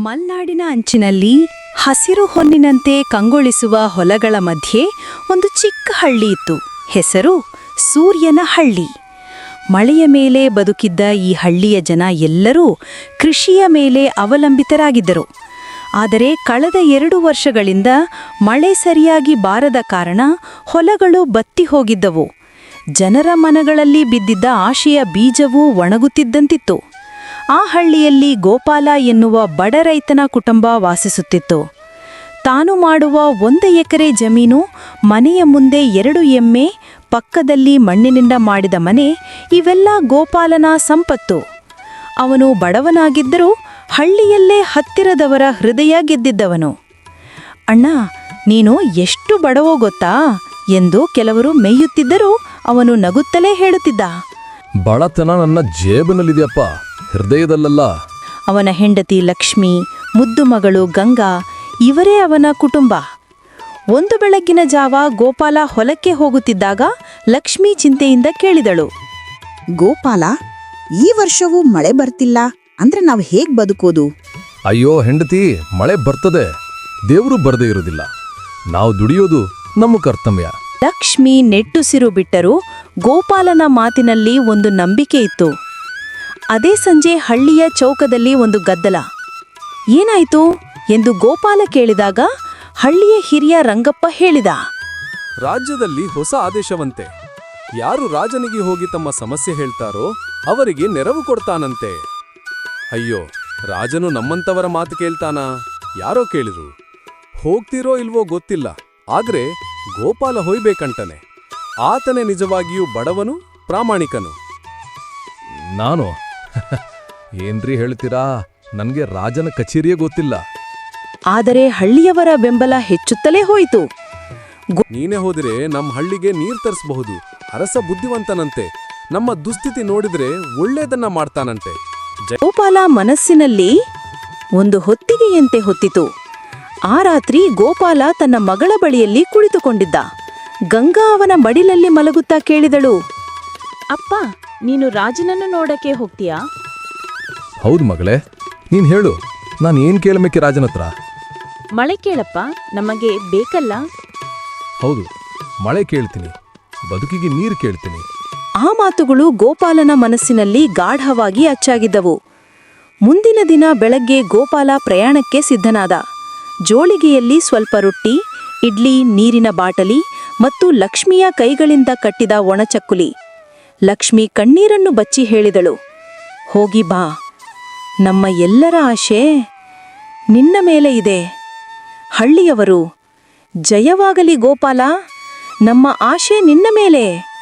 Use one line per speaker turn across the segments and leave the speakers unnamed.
ಮಲ್ನಾಡಿನ ಅಂಚಿನಲ್ಲಿ ಹಸಿರು ಹೊನ್ನಿನಂತೆ ಕಂಗೊಳಿಸುವ ಹೊಲಗಳ ಮಧ್ಯೆ ಒಂದು ಚಿಕ್ಕ ಹಳ್ಳಿ ಇತ್ತು. ಹೆಸರು ಸೂರ್ಯನ ಹಳ್ಳಿ. ಮಳೆಯ ಮೇಲೆ ಬದುಕಿದ್ದ ಈ ಹಳ್ಳಿಯ ಜನ ಎಲ್ಲರೂ ಕೃಷಿಯ ಮೇಲೆ ಅವಲಂಬಿತರಾಗಿದ್ದರು. ಆದರೆ ಕಳೆದ 2 ವರ್ಷಗಳಿಂದ ಮಳೆ ಸರಿಯಾಗಿ ಬಾರದ ಕಾರಣ ಹೊಲಗಳು ಬತ್ತಿ ಹೋಗಿದ್ದವು. ಜನರ ಮನಗಳಲ್ಲಿ ಬಿದ್ದಿದ್ದ ಆಶೆಯ ಬೀಜವೂ ಒಣಗುತ್ತಿದ್ದಂತಿತ್ತು. ಆ ಹಳ್ಳಿಯಲ್ಲಿ ಗೋಪಾಲ ಎನ್ನುವ ಬಡ ರೈತನ ಕುಟುಂಬ ವಾಸಿಸುತ್ತಿತ್ತು. ತಾನು ಮಾಡುವ 1 ಎಕರೆ ಜಮೀನು, ಮನೆಯ ಮುಂದೆ 2 ಎಮ್ಮೆ, ಪಕ್ಕದಲ್ಲಿ ಮಣ್ಣಿನಿಂದ ಮಾಡಿದ ಮನೆ, ಇವೆಲ್ಲ ಗೋಪಾಲನ ಸಂಪತ್ತು. ಅವನು ಬಡವನಾಗಿದ್ದರೂ ಹಳ್ಳಿಯಲ್ಲೇ ಹತ್ತಿರದವರ ಹೃದಯ ಗೆದ್ದಿದ್ದವನು. ಅಣ್ಣ, ನೀನು ಎಷ್ಟು ಬಡವೋ ಗೊತ್ತಾ ಎಂದು ಕೆಲವರು ಮೇಯುತ್ತಿದ್ದರೂ ಅವನು ನಗುತ್ತಲೇ ಹೇಳುತ್ತಿದ್ದ.
ಬಡತನ ನನ್ನ ಜೇಬಿನಲ್ಲಿದೆಯಪ್ಪ, ಹೃದಯದಲ್ಲಲ್ಲ.
ಅವನ ಹೆಂಡತಿ ಲಕ್ಷ್ಮಿ, ಮುದ್ದು ಮಗಳು ಗಂಗಾ, ಇವರೇ ಅವನ ಕುಟುಂಬ. ಒಂದು ಬೆಳಗ್ಗಿನ ಜಾವ ಗೋಪಾಲ ಹೊಲಕ್ಕೆ ಹೋಗುತ್ತಿದ್ದಾಗ ಲಕ್ಷ್ಮಿ ಚಿಂತೆಯಿಂದ ಕೇಳಿದಳು.
ಗೋಪಾಲ, ಈ ವರ್ಷವೂ ಮಳೆ ಬರ್ತಿಲ್ಲ ಅಂದ್ರೆ ನಾವು ಹೇಗ್ ಬದುಕೋದು?
ಅಯ್ಯೋ ಹೆಂಡತಿ, ಮಳೆ ಬರ್ತದೆ, ದೇವರು ಬರದೇ ಇರೋದಿಲ್ಲ. ನಾವು ದುಡಿಯೋದು ನಮ್ಮ ಕರ್ತವ್ಯ.
ಲಕ್ಷ್ಮಿ ನೆಟ್ಟುಸಿರು ಬಿಟ್ಟರು. ಗೋಪಾಲನ ಮಾತಿನಲ್ಲಿ ಒಂದು ನಂಬಿಕೆ ಇತ್ತು. ಅದೇ ಸಂಜೆ ಹಳ್ಳಿಯ ಚೌಕದಲ್ಲಿ ಒಂದು ಗದ್ದಲ. ಏನಾಯ್ತು ಎಂದು ಗೋಪಾಲ ಕೇಳಿದಾಗ ಹಳ್ಳಿಯ ಹಿರಿಯ ರಂಗಪ್ಪ ಹೇಳಿದ.
ರಾಜ್ಯದಲ್ಲಿ ಹೊಸ ಆದೇಶವಂತೆ. ಯಾರು ರಾಜನಿಗೆ ಹೋಗಿ ತಮ್ಮ ಸಮಸ್ಯೆ ಹೇಳ್ತಾರೋ ಅವರಿಗೆ ನೆರವು ಕೊಡ್ತಾನಂತೆ. ಅಯ್ಯೋ, ರಾಜನು ನಮ್ಮಂತವರ ಮಾತು ಕೇಳ್ತಾನಾ? ಯಾರೋ ಕೇಳಿರು. ಹೋಗ್ತಿರೋ ಇಲ್ವೋ ಗೊತ್ತಿಲ್ಲ, ಆದ್ರೆ ಗೋಪಾಲ ಹೊಯ್ಬೇಕಂಟನೆ. ಆತನೇ ನಿಜವಾಗಿಯೂ ಬಡವನು, ಪ್ರಾಮಾಣಿಕನು.
ನಾನು ಏನ್ರಿ ಹೇಳ್ತೀರಾ? ನನ್ಗೆ ರಾಜನ ಕಚೇರಿಯೇ ಗೊತ್ತಿಲ್ಲ.
ಆದರೆ ಹಳ್ಳಿಯವರ ಬೆಂಬಲ ಹೆಚ್ಚುತ್ತಲೇ ಹೋಯಿತು.
ನೀನೇ ಹೋದ್ರೆ ನಮ್ಮ ಹಳ್ಳಿಗೆ ನೀರ್ ತರಿಸಬಹುದು. ಅರಸ ಬುದ್ಧಿವಂತನಂತೆ. ನಮ್ಮ ದುಸ್ಥಿತಿ ನೋಡಿದ್ರೆ ಒಳ್ಳೇದನ್ನ ಮಾಡ್ತಾನಂತೆ.
ಗೋಪಾಲ ಮನಸ್ಸಿನಲ್ಲಿ ಒಂದು ಹೊತ್ತಿಗೆಯಂತೆ ಹೊತ್ತಿತು. ಆ ರಾತ್ರಿ ಗೋಪಾಲ ತನ್ನ ಮಗಳ ಬಳಿಯಲ್ಲಿ ಕುಳಿತುಕೊಂಡಿದ್ದ. ಗಂಗಾ ಅವನ ಮಡಿಲಲ್ಲಿ ಮಲಗುತ್ತಾ ಕೇಳಿದಳು. ಅಪ್ಪ, ನೀನು ರಾಜನನ್ನು ನೋಡಕ್ಕೆ ಹೋಗ್ತೀಯಾ?
ಹೌದು ಮಗಳೇ, ನೀನ್ ಹೇಳು, ನಾನು ಏನ್ ಕೇಳಬೇಕೆ ರಾಜನತ್ರ?
ಮಳೆ ಕೇಳಪ್ಪ, ನಮಗೆ ಬೇಕಲ್ಲ.
ಹೌದು, ಮಳೆ ಕೇಳ್ತೀನಿ, ಬದುಕಿಗೆ ನೀರು ಕೇಳ್ತೀನಿ.
ಆ ಮಾತುಗಳು ಗೋಪಾಲನ ಮನಸ್ಸಿನಲ್ಲಿ ಗಾಢವಾಗಿ ಅಚ್ಚಾಗಿದ್ದವು. ಮುಂದಿನ ದಿನ ಬೆಳಗ್ಗೆ ಗೋಪಾಲ ಪ್ರಯಾಣಕ್ಕೆ ಸಿದ್ಧನಾದ. ಜೋಳಿಗೆಯಲ್ಲಿ ಸ್ವಲ್ಪ ರೊಟ್ಟಿ, ಇಡ್ಲಿ, ನೀರಿನ ಬಾಟಲಿ ಮತ್ತು ಲಕ್ಷ್ಮಿಯ ಕೈಗಳಿಂದ ಕಟ್ಟಿದ ಒಣಚಕ್ಕುಲಿ. ಲಕ್ಷ್ಮಿ ಕಣ್ಣೀರನ್ನು ಬಚ್ಚಿ ಹೇಳಿದಳು. ಹೋಗಿ ಬಾ, ನಮ್ಮ ಎಲ್ಲರ ಆಶೆ ನಿನ್ನ ಮೇಲೆ ಇದೆ. ಹಳ್ಳಿಯವರು, ಜಯವಾಗಲಿ ಗೋಪಾಲ, ನಮ್ಮ ಆಶೆ ನಿನ್ನ ಮೇಲೆ.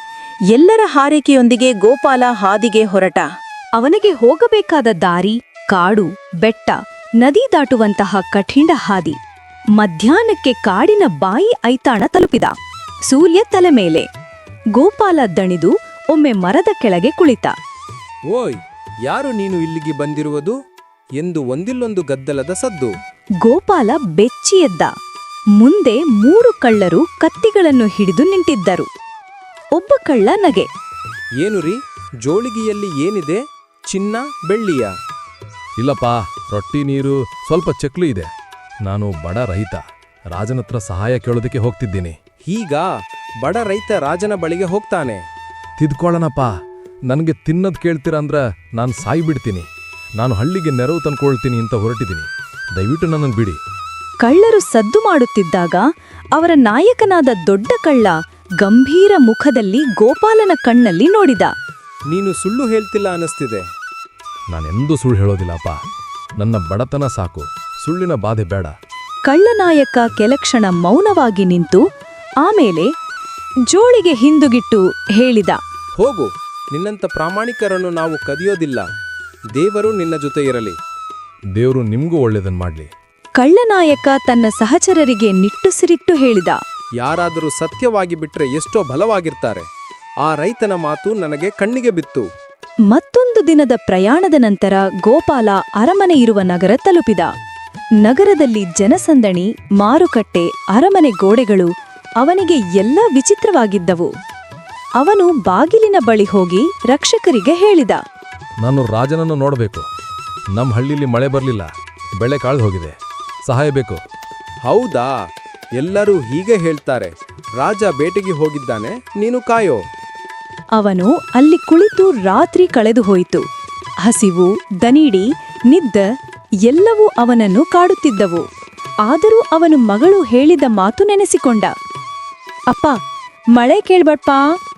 ಎಲ್ಲರ ಹಾರೈಕೆಯೊಂದಿಗೆ ಗೋಪಾಲ ಹಾದಿಗೆ ಹೊರಟ. ಅವನಿಗೆ ಹೋಗಬೇಕಾದ ದಾರಿ ಕಾಡು, ಬೆಟ್ಟ, ನದಿ ದಾಟುವಂತಹ ಕಠಿಣ ಹಾದಿ. ಮಧ್ಯಾಹ್ನಕ್ಕೆ ಕಾಡಿನ ಬಾಯಿ ಐತಾಣ ತಲುಪಿದ. ಸೂರ್ಯ ತಲೆ ಮೇಲೆ. ಗೋಪಾಲ ದಣಿದು ಒಮ್ಮೆ ಮರದ ಕೆಳಗೆ ಕುಳಿತ.
ಓಯ್, ಯಾರು ನೀನು ಇಲ್ಲಿಗೆ ಬಂದಿರುವುದು ಎಂದು ಒಂದಿಲ್ಲೊಂದು ಗದ್ದಲದ ಸದ್ದು.
ಗೋಪಾಲ ಬೆಚ್ಚಿ ಎದ್ದ. ಮುಂದೆ 3 ಕಳ್ಳರು ಕತ್ತಿಗಳನ್ನು ಹಿಡಿದು ನಿಂತಿದ್ದರು. ಒಬ್ಬ ಕಳ್ಳ ನಗೆ.
ಏನು ರೀ, ಜೋಳಿಗೆಯಲ್ಲಿ ಏನಿದೆ? ಚಿನ್ನ, ಬೆಳ್ಳಿಯ?
ಇಲ್ಲಪ್ಪ, ರೊಟ್ಟಿ, ನೀರು, ಸ್ವಲ್ಪ ಚಕ್ಲು ಇದೆ. ನಾನು ಬಡ ರೈತ, ರಾಜನತ್ರ ಸಹಾಯ ಕೇಳೋದಕ್ಕೆ ಹೋಗ್ತಿದ್ದೀನಿ.
ಹೀಗ ಬಡ ರೈತ ರಾಜನ ಬಳಿಗೆ ಹೋಗ್ತಾನೆ?
ತಿದ್ಕೊಳ್ಳೋಣಪ್ಪ, ನನಗೆ ತಿನ್ನೋದು ಕೇಳ್ತೀರಾ ಅಂದ್ರೆ ನಾನು ಸಾಯ್ಬಿಡ್ತೀನಿ. ನಾನು ಹಳ್ಳಿಗೆ ನೆರವು ತಂದ್ಕೊಳ್ತೀನಿ ಅಂತ ಹೊರಟಿದ್ದೀನಿ. ದಯವಿಟ್ಟು ನನ್ನನ್ನು ಬಿಡಿ.
ಕಳ್ಳರು ಸದ್ದು ಮಾಡುತ್ತಿದ್ದಾಗ ಅವರ ನಾಯಕನಾದ ದೊಡ್ಡ ಕಳ್ಳ ಗಂಭೀರ ಮುಖದಲ್ಲಿ ಗೋಪಾಲನ ಕಣ್ಣಲ್ಲಿ ನೋಡಿದ.
ನೀನು ಸುಳ್ಳು ಹೇಳ್ತಿಲ್ಲ ಅನಿಸ್ತಿದೆ.
ನಾನೆಂದೂ ಸುಳ್ಳು ಹೇಳೋದಿಲ್ಲಪ್ಪ. ನನ್ನ ಬಡತನ ಸಾಕು, ಸುಳ್ಳಿನ ಬಾಧೆ ಬೇಡ.
ಕಳ್ಳನಾಯಕ ಕೆಲಕ್ಷಣ ಮೌನವಾಗಿ ನಿಂತು ಆಮೇಲೆ ಜೋಳಿಗೆ ಹಿಂದುಗಿಟ್ಟು ಹೇಳಿದ.
ಹೋಗು, ನಿನ್ನಂತ ಪ್ರಾಮಾಣಿಕರನ್ನು ನಾವು ಕದಿಯೋದಿಲ್ಲ. ದೇವರು ನಿನ್ನ ಜೊತೆ ಇರಲಿ.
ದೇವರು ನಿಮ್ಗೂ ಒಳ್ಳೇದನ್ ಮಾಡ್ಲಿ.
ಕಳ್ಳನಾಯಕ ತನ್ನ ಸಹಚರರಿಗೆ ನಿಟ್ಟುಸಿರಿಟ್ಟು ಹೇಳಿದ.
ಯಾರಾದರೂ ಸತ್ಯವಾಗಿ ಬಿಟ್ರೆ ಎಷ್ಟೋ ಬಲವಾಗಿರ್ತಾರೆ. ಆ ರೈತನ ಮಾತು ನನಗೆ ಕಣ್ಣಿಗೆ ಬಿತ್ತು.
ಮತ್ತೊಂದು ದಿನದ ಪ್ರಯಾಣದ ನಂತರ ಗೋಪಾಲ ಅರಮನೆ ಇರುವ ನಗರ ತಲುಪಿದ. ನಗರದಲ್ಲಿ ಜನಸಂದಣಿ, ಮಾರುಕಟ್ಟೆ, ಅರಮನೆ ಗೋಡೆಗಳು ಅವನಿಗೆ ಎಲ್ಲ ವಿಚಿತ್ರವಾಗಿದ್ದವು. ಅವನು ಬಾಗಿಲಿನ ಬಳಿ ಹೋಗಿ ರಕ್ಷಕರಿಗೆ ಹೇಳಿದ.
ನಾನು ರಾಜನನ್ನು ನೋಡಬೇಕು. ನಮ್ಮ ಹಳ್ಳಿಲಿ ಮಳೆ ಬರಲಿಲ್ಲ, ಬೆಳೆ ಕಾಳ್ದು ಹೋಗಿದೆ, ಸಹಾಯ ಬೇಕು.
ಹೌದಾ? ಎಲ್ಲರೂ ಹೀಗೆ ಹೇಳ್ತಾರೆ. ರಾಜ ಬೇಟೆಗೆ ಹೋಗಿದ್ದಾನೆ, ನೀನು ಕಾಯೋ.
ಅವನು ಅಲ್ಲಿ ಕುಳಿತು ರಾತ್ರಿ ಕಳೆದು ಹೋಯಿತು. ಹಸಿವು, ದನಿಡಿ, ನಿದ್ದೆ ಎಲ್ಲವೂ ಅವನನ್ನು ಕಾಡುತ್ತಿದ್ದವು. ಆದರೂ ಅವನು ಮಗಳು ಹೇಳಿದ ಮಾತು ನೆನೆಸಿಕೊಂಡ. ಅಪ್ಪ, ಮಳೆ ಕೇಳ್ಬಟ್ಪ.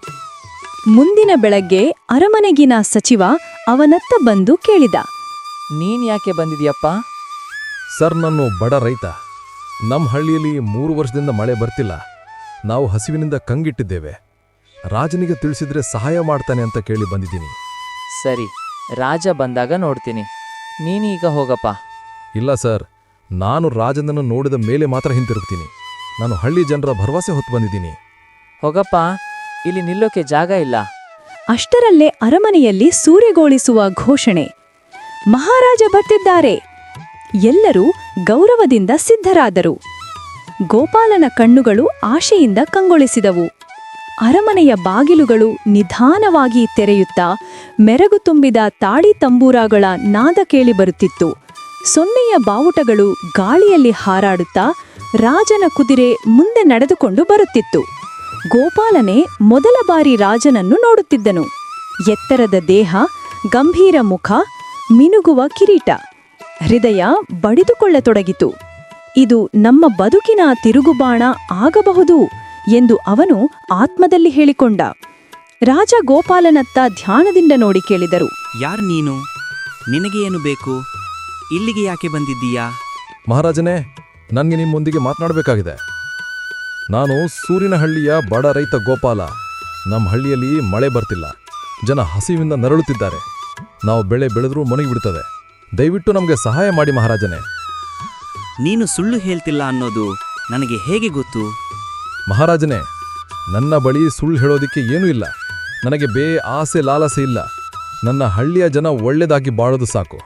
ಮುಂದಿನ ಬೆಳಗ್ಗೆ ಅರಮನೆಗಿನ ಸಚಿವ ಅವನತ್ತ ಬಂದು ಕೇಳಿದ.
ನೀನ್ ಯಾಕೆ ಬಂದಿದ್ಯಪ್ಪ?
ಸರ್, ನಾನು ಬಡ ರೈತ. ನಮ್ಮ ಹಳ್ಳಿಯಲ್ಲಿ 3 ವರ್ಷದಿಂದ ಮಳೆ ಬರ್ತಿಲ್ಲ. ನಾವು ಹಸಿವಿನಿಂದ ಕಂಗಿಟ್ಟಿದ್ದೇವೆ. ರಾಜನಿಗೆ ತಿಳಿಸಿದ್ರೆ ಸಹಾಯ ಮಾಡ್ತಾನೆ ಅಂತ ಕೇಳಿ ಬಂದಿದ್ದೀನಿ.
ಸರಿ, ರಾಜ ಬಂದಾಗ ನೋಡ್ತೀನಿ. ನೀನೀಗ ಹೋಗಪ್ಪ.
ಇಲ್ಲ ಸರ್, ನಾನು ರಾಜನನ್ನು ನೋಡಿದ ಮೇಲೆ ಮಾತ್ರ ಹಿಂತಿರುಗ್ತೀನಿ. ನಾನು ಹಳ್ಳಿ ಜನರ ಭರವಸೆ ಹೊತ್ತು ಬಂದಿದ್ದೀನಿ.
ಹೋಗಪ್ಪ, ಇಲ್ಲಿ ನಿಲ್ಲೋಕೆ ಜಾಗ ಇಲ್ಲ.
ಅಷ್ಟರಲ್ಲೇ ಅರಮನೆಯಲ್ಲಿ ಸೂರೆಗೋಳಿಸುವ ಘೋಷಣೆ. ಮಹಾರಾಜ ಬರ್ತಿದ್ದಾರೆ. ಎಲ್ಲರೂ ಗೌರವದಿಂದ ಸಿದ್ಧರಾದರು. ಗೋಪಾಲನ ಕಣ್ಣುಗಳು ಆಶೆಯಿಂದ ಕಂಗೊಳಿಸಿದವು. ಅರಮನೆಯ ಬಾಗಿಲುಗಳು ನಿಧಾನವಾಗಿ ತೆರೆಯುತ್ತಾ ಮೆರಗು ತುಂಬಿದ ತಾಳಿ ತಂಬೂರಾಗಳ ನಾದ ಕೇಳಿಬರುತ್ತಿತ್ತು. ಸೊನ್ನೆಯ ಬಾವುಟಗಳು ಗಾಳಿಯಲ್ಲಿ ಹಾರಾಡುತ್ತಾ ರಾಜನ ಕುದುರೆ ಮುಂದೆ ನಡೆದುಕೊಂಡು ಬರುತ್ತಿತ್ತು. ಗೋಪಾಲನೇ ಮೊದಲ ಬಾರಿ ರಾಜನನ್ನು ನೋಡುತ್ತಿದ್ದನು. ಎತ್ತರದ ದೇಹ, ಗಂಭೀರ ಮುಖ, ಮಿನುಗುವ ಕಿರೀಟ. ಹೃದಯ ಬಡಿದುಕೊಳ್ಳತೊಡಗಿತು. ಇದು ನಮ್ಮ ಬದುಕಿನ ತಿರುಗುಬಾಣ ಆಗಬಹುದು ಎಂದು ಅವನು ಆತ್ಮದಲ್ಲಿ ಹೇಳಿಕೊಂಡ. ರಾಜ ಗೋಪಾಲನತ್ತ ಧ್ಯಾನದಿಂದ ನೋಡಿ ಕೇಳಿದರು.
ಯಾರ್ ನೀನು? ನಿನಗೆ ಏನು ಬೇಕು? ಇಲ್ಲಿಗೆ ಯಾಕೆ ಬಂದಿದ್ದೀಯಾ?
ಮಹಾರಾಜನೇ, ನನಗೆ ನಿಮ್ಮೊಂದಿಗೆ ಮಾತನಾಡಬೇಕಾಗಿದೆ. ನಾನು ಸೂರಿನಹಳ್ಳಿಯ ಬಡ ರೈತ ಗೋಪಾಲ. ನಮ್ಮ ಹಳ್ಳಿಯಲ್ಲಿ ಮಳೆ ಬರ್ತಿಲ್ಲ. ಜನ ಹಸಿವಿಂದ ನರಳುತ್ತಿದ್ದಾರೆ. ನಾವು ಬೆಳೆ ಬೆಳೆದ್ರೂ ಮೊನಗಿಬಿಡ್ತದೆ. ದಯವಿಟ್ಟು ನಮಗೆ ಸಹಾಯ ಮಾಡಿ ಮಹಾರಾಜನೇ.
ನೀನು ಸುಳ್ಳು ಹೇಳ್ತಿಲ್ಲ ಅನ್ನೋದು ನನಗೆ ಹೇಗೆ ಗೊತ್ತು?
ಮಹಾರಾಜನೇ, ನನ್ನ ಬಳಿ ಸುಳ್ಳು ಹೇಳೋದಿಕ್ಕೆ ಏನೂ ಇಲ್ಲ. ನನಗೆ ಆಸೆ ಲಾಲಸೆ ಇಲ್ಲ. ನನ್ನ ಹಳ್ಳಿಯ ಜನ ಒಳ್ಳೆದಾಗಿ ಬಾಳೋದು ಸಾಕು.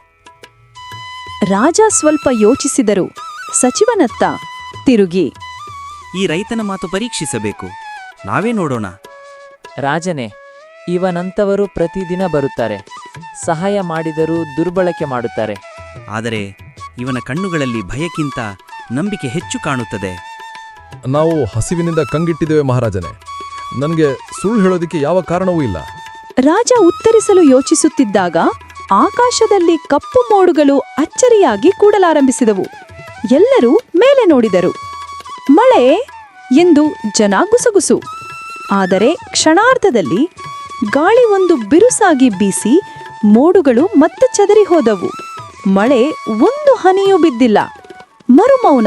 ರಾಜ ಸ್ವಲ್ಪ ಯೋಚಿಸಿದರು. ಸಚಿವನತ್ತ ತಿರುಗಿ,
ಈ ರೈತನ ಮಾತು ಪರೀಕ್ಷಿಸಬೇಕು. ನಾವೇ ನೋಡೋಣ.
ರಾಜನೇ, ಇವನಂತವರು ಪ್ರತಿದಿನ ಬರುತ್ತಾರೆ. ಸಹಾಯ ಮಾಡಿದರೂ ದುರ್ಬಳಕೆ ಮಾಡುತ್ತಾರೆ.
ಆದರೆ ಇವನ ಕಣ್ಣುಗಳಲ್ಲಿ ಭಯಕ್ಕಿಂತ ನಂಬಿಕೆ ಹೆಚ್ಚು ಕಾಣುತ್ತದೆ.
ನಾವು ಹಸಿವಿನಿಂದ ಕಂಗಿಟ್ಟಿದ್ದೇವೆ ಮಹಾರಾಜನೇ. ನನಗೆ ಸುಳ್ಳು ಹೇಳೋದಿಕ್ಕೆ ಯಾವ ಕಾರಣವೂ ಇಲ್ಲ.
ರಾಜ ಉತ್ತರಿಸಲು ಯೋಚಿಸುತ್ತಿದ್ದಾಗ ಆಕಾಶದಲ್ಲಿ ಕಪ್ಪು ಮೋಡುಗಳು ಅಚ್ಚರಿಯಾಗಿ ಕೂಡಲಾರಂಭಿಸಿದವು. ಎಲ್ಲರೂ ಮೇಲೆ ನೋಡಿದರು. ಮಳೆ ಎಂದು ಜನ ಗುಸಗುಸು. ಆದರೆ ಕ್ಷಣಾರ್ಧದಲ್ಲಿ ಗಾಳಿ ಒಂದು ಬಿರುಸಾಗಿ ಬೀಸಿ ಮೋಡುಗಳು ಮತ್ತೆ ಚದರಿ ಹೋದವು. ಮಳೆ ಒಂದು ಹನಿಯೂ ಬಿದ್ದಿಲ್ಲ. ಮರುಮೌನ.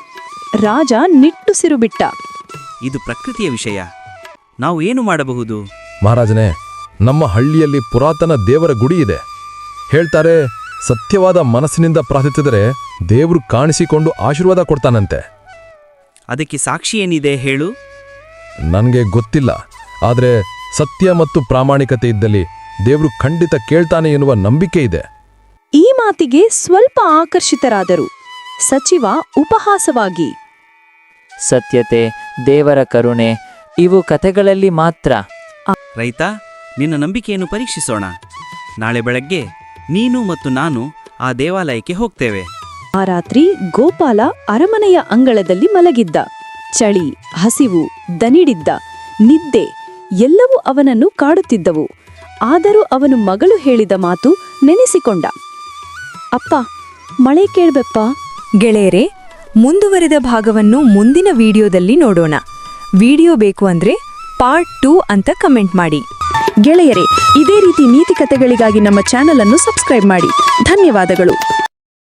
ರಾಜ ನಿಟ್ಟುಸಿರು ಬಿಟ್ಟ.
ಇದು ಪ್ರಕೃತಿಯ ವಿಷಯ. ನಾವು ಏನು ಮಾಡಬಹುದು?
ಮಹಾರಾಜನೇ, ನಮ್ಮ ಹಳ್ಳಿಯಲ್ಲಿ ಪುರಾತನ ದೇವರ ಗುಡಿ ಇದೆ. ಹೇಳ್ತಾರೆ, ಸತ್ಯವಾದ ಮನಸ್ಸಿನಿಂದ ಪ್ರಾರ್ಥಿಸಿದರೆ ದೇವರು ಕಾಣಿಸಿಕೊಂಡು ಆಶೀರ್ವಾದ ಕೊಡ್ತಾನಂತೆ.
ಅದಕ್ಕೆ ಸಾಕ್ಷಿ ಏನಿದೆ ಹೇಳು?
ನನಗೆ ಗೊತ್ತಿಲ್ಲ. ಆದರೆ ಸತ್ಯ ಮತ್ತು ಪ್ರಾಮಾಣಿಕತೆ ಇದ್ದಲ್ಲಿ ದೇವರು ಖಂಡಿತ ಕೇಳ್ತಾನೆ ಎನ್ನುವ ನಂಬಿಕೆ ಇದೆ.
ಈ ಮಾತಿಗೆ ಸ್ವಲ್ಪ ಆಕರ್ಷಿತರಾದರು. ಸಚಿವ ಉಪಹಾಸವಾಗಿ,
ಸತ್ಯತೆ, ದೇವರ ಕರುಣೆ ಇವು ಕಥೆಗಳಲ್ಲಿ ಮಾತ್ರ.
ರೈತ, ನಿನ್ನ ನಂಬಿಕೆಯನ್ನು ಪರೀಕ್ಷಿಸೋಣ. ನಾಳೆ ಬೆಳಗ್ಗೆ ನೀನು ಮತ್ತು ನಾನು ಆ ದೇವಾಲಯಕ್ಕೆ ಹೋಗ್ತೇವೆ.
ಆ ರಾತ್ರಿ ಗೋಪಾಲ ಅರಮನೆಯ ಅಂಗಳದಲ್ಲಿ ಮಲಗಿದ್ದ. ಚಳಿ, ಹಸಿವು, ದನಿಡಿದ್ದ, ನಿದ್ದೆ ಎಲ್ಲವೂ ಅವನನ್ನು ಕಾಡುತ್ತಿದ್ದವು. ಆದರೂ ಅವನು ಮಗಳು ಹೇಳಿದ ಮಾತು ನೆನೆಸಿಕೊಂಡ. ಅಪ್ಪ, ಮಳೆ ಕೇಳ್ಬೆಪ್ಪ.
ಗೆಳೆಯರೇ, ಮುಂದುವರೆದ ಭಾಗವನ್ನು ಮುಂದಿನ ವಿಡಿಯೋದಲ್ಲಿ ನೋಡೋಣ. ವಿಡಿಯೋ ಬೇಕು ಅಂದ್ರೆ ಪಾರ್ಟ್ 2 ಅಂತ ಕಮೆಂಟ್ ಮಾಡಿ.
ಗೆಳೆಯರೇ, ಇದೇ ರೀತಿ ನೀತಿ ಕಥೆಗಳಿಗಾಗಿ ನಮ್ಮ ಚಾನೆಲ್ ಅನ್ನು ಸಬ್ಸ್ಕ್ರೈಬ್ ಮಾಡಿ. ಧನ್ಯವಾದಗಳು.